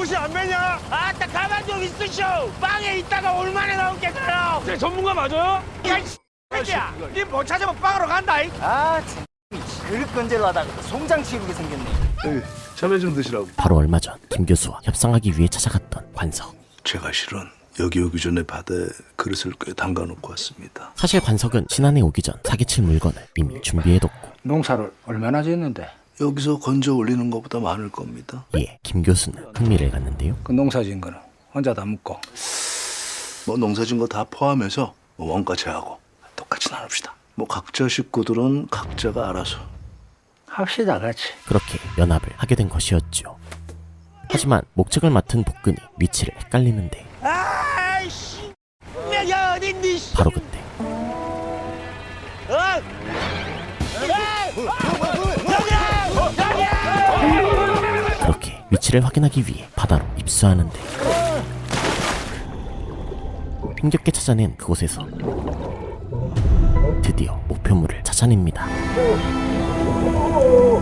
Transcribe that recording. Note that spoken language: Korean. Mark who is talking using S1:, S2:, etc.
S1: 옷이 안 매냐?
S2: 아따 가만 좀 있으쇼. 빵에 있다가 얼마나 나올게 가라.
S1: 네, 전문가 맞아요?
S2: 야 이 새끼야. 니못 찾으면 빵으로 간다.
S3: 참 그릇 건질러 하다가 송장 치르게 생겼네.
S4: 참외 좀 드시라고.
S5: 바로 얼마 전 김 교수와 협상하기 위해 찾아갔던 관석.
S4: 제가 실은 여기 오기 전에 바다에 그릇을 꽤 담가놓고 왔습니다.
S5: 사실 관석은 신안에 오기 전 사기칠 물건을 이미 준비해뒀고,
S3: 농사를 얼마나 짓는데?
S4: 여기서 건져 올리는 것보다 많을 겁니다.
S5: 이에 김 교수는 흥미를 갖는데요.
S3: 그 농사 짓는 거는 혼자 다 먹고.
S4: 뭐 농사진 거 다 포함해서 뭐 원가 제하고 똑같이 나눕시다. 뭐 각자 식구들은 각자가 알아서.
S3: 합시다 같이.
S5: 그렇게 연합을 하게 된 것이었죠. 하지만 목책을 맡은 복근이 위치를 헷갈리는데
S2: 아이씨. 내가 어딨니?
S5: 바로 그때
S2: 어?
S5: 그렇게 위치를 확인하기 위해 바다로 입수하는데, 힘겹게 찾아낸 그곳에서 드디어 목표물을 찾아냅니다.